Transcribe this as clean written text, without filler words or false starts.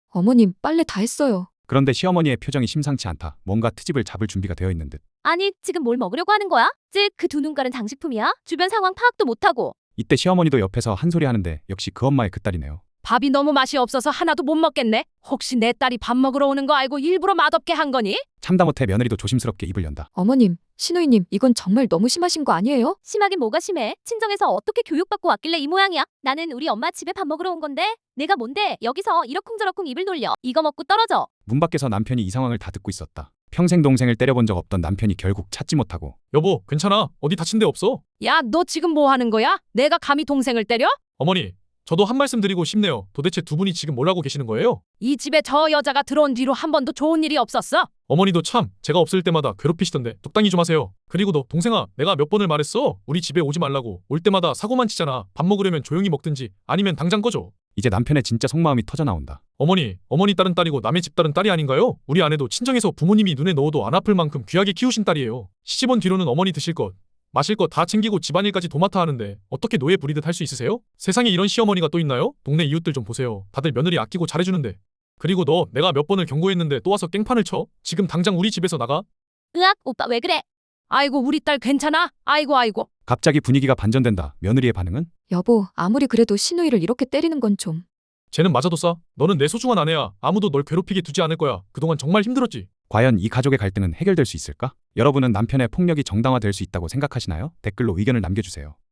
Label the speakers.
Speaker 1: 어머님, 빨래 다 했어요.
Speaker 2: 그런데 시어머니의 표정이 심상치 않다. 뭔가 트집을 잡을 준비가 되어 있는 듯.
Speaker 3: 아니, 지금 뭘 먹으려고 하는 거야? 즉, 그 두 눈깔은 장식품이야? 주변 상황 파악도 못하고.
Speaker 2: 이때 시어머니도 옆에서 한 소리 하는데 역시 그 엄마의 그 딸이네요.
Speaker 4: 밥이 너무 맛이 없어서 하나도 못 먹겠네. 혹시 내 딸이 밥 먹으러 오는 거 알고 일부러 맛없게 한 거니?
Speaker 2: 참다 못해 며느리도 조심스럽게 입을 연다.
Speaker 1: 어머님, 시누이님, 이건 정말 너무 심하신 거 아니에요?
Speaker 3: 심하긴 뭐가 심해? 친정에서 어떻게 교육받고 왔길래 이 모양이야? 나는 우리 엄마 집에 밥 먹으러 온 건데 내가 뭔데 여기서 이러쿵저러쿵 입을 놀려. 이거 먹고 떨어져.
Speaker 2: 문 밖에서 남편이 이 상황을 다 듣고 있었다. 평생 동생을 때려본 적 없던 남편이 결국 찾지 못하고
Speaker 5: 여보, 괜찮아. 어디 다친 데 없어?
Speaker 4: 야, 너 지금 뭐 하는 거야? 내가 감히 동생을 때려?
Speaker 5: 어머니, 저도 한 말씀 드리고 싶네요. 도대체 두 분이 지금 뭘 하고 계시는 거예요?
Speaker 4: 이 집에 저 여자가 들어온 뒤로 한 번도 좋은 일이 없었어.
Speaker 5: 어머니도 참 제가 없을 때마다 괴롭히시던데 적당히 좀 하세요. 그리고 너 동생아, 내가 몇 번을 말했어? 우리 집에 오지 말라고. 올 때마다 사고만 치잖아. 밥 먹으려면 조용히 먹든지 아니면 당장 꺼줘.
Speaker 2: 이제 남편의 진짜 속마음이 터져나온다.
Speaker 5: 어머니 딸은 딸이고 남의 집 딸은 딸이 아닌가요? 우리 아내도 친정에서 부모님이 눈에 넣어도 안 아플 만큼 귀하게 키우신 딸이에요. 시집 온 뒤로는 어머니 드실 것, 마실 것 다 챙기고 집안일까지 도맡아 하는데 어떻게 노예 부리듯 할 수 있으세요? 세상에 이런 시어머니가 또 있나요? 동네 이웃들 좀 보세요. 다들 며느리 아끼고 잘해주는데. 그리고 너 내가 몇 번을 경고했는데 또 와서 깽판을 쳐? 지금 당장 우리 집에서 나가?
Speaker 3: 으악, 오빠 왜 그래?
Speaker 4: 아이고, 우리 딸 괜찮아? 아이고.
Speaker 2: 갑자기 분위기가 반전된다. 며느리의 반응은?
Speaker 1: 여보, 아무리 그래도 시누이를 이렇게 때리는 건 좀.
Speaker 5: 쟤는 맞아도 싸. 너는 내 소중한 아내야. 아무도 널 괴롭히게 두지 않을 거야. 그동안 정말 힘들었지.
Speaker 2: 과연 이 가족의 갈등은 해결될 수 있을까? 여러분은 남편의 폭력이 정당화될 수 있다고 생각하시나요? 댓글로 의견을 남겨주세요.